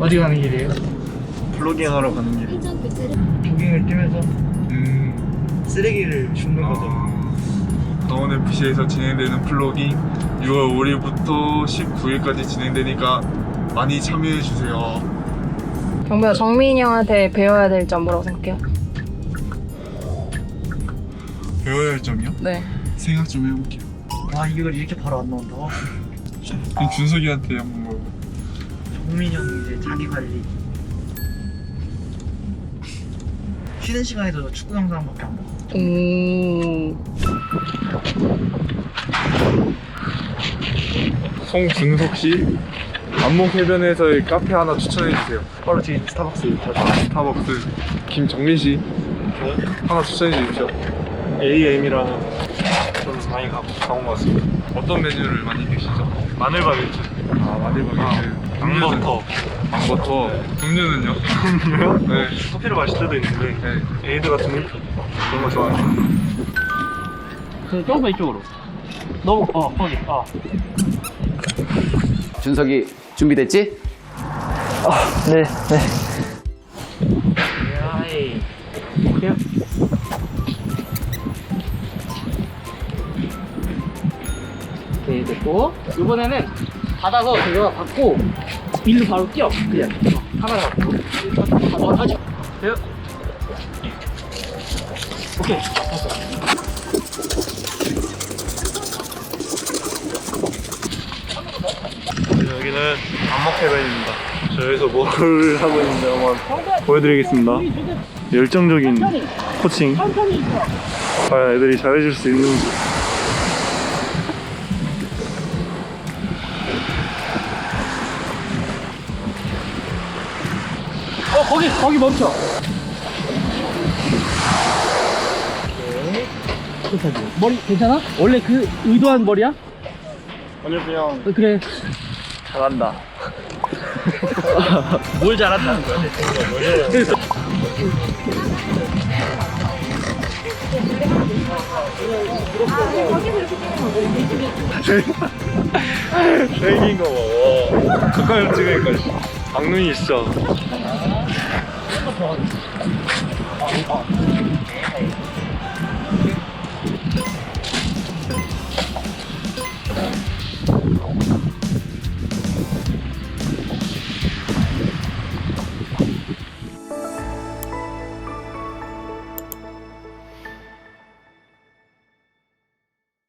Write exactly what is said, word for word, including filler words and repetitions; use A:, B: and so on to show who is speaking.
A: 어디 가는 길이에요?
B: 플로깅 하러 가는 길.
A: 조깅을 뛰면서
B: 음.
A: 쓰레기를 줍는 거죠.
C: 강원에프씨에서 진행되는 플로깅 유월 오일부터 십구일까지 진행되니까 많이 참여해주세요.
D: 경배야, 정민이 형한테 배워야 될 점 뭐라고 생각해요?
C: 배워야 할 점이요?
D: 네.
C: 생각 좀 해볼게요.
A: 아 이걸 이렇게 바로 안 나온다.
C: 그럼 준석이한테 한번 물어봐.
A: 정민이 형 이제 자기 관리. 쉬는 시간에도 축구 영상밖에 안 봐.
D: 오.
C: 송준석씨 안목해변에서의 카페 하나 추천해주세요.
A: 바로 뒤에 스타벅스 다
C: 아, 스타벅스. 김정민씨 하나 추천해주십시오.
B: 에이엠이랑 좀 많이 가고 가온 것 같습니다.
C: 어떤 메뉴를 많이 드시죠?
B: 마늘 바게트,
C: 아, 마늘바게트.
B: 망버터.
C: 망버터. 음료는요?
B: 음료요?
C: 네.
B: 커피를 마실 때도 있는데
C: 네.
B: 에이드 같은 밀크 그런 거 좋아해요.
A: 그 조금 이쪽으로. 너무 어 거기 어.
E: 준석이 준비됐지?
A: 네 네. 야이. 볼게요. 오케이 됐고 이번에는 받아서 제가 받고 일로 바로 뛰어 그냥 어, 카메라 받고 어 다시 돼요. 오케이
B: 여기는 안목해변입니다. 저 여기서 뭘 하고 있는지 한번 보여드리겠습니다. 열정적인 코칭. 과연 애들이 잘해줄 수 있는지.
A: 어 거기 거기 멈춰. 오케이. 머리 괜찮아? 원래 그 의도한 머리야?
B: 오늘 그냥
A: 어, 그래.
B: 잘한다.
A: 뭘 잘한다는 거야? 그래서
B: 생긴 거 봐. 가까이 찍으니까 악눈이 진짜.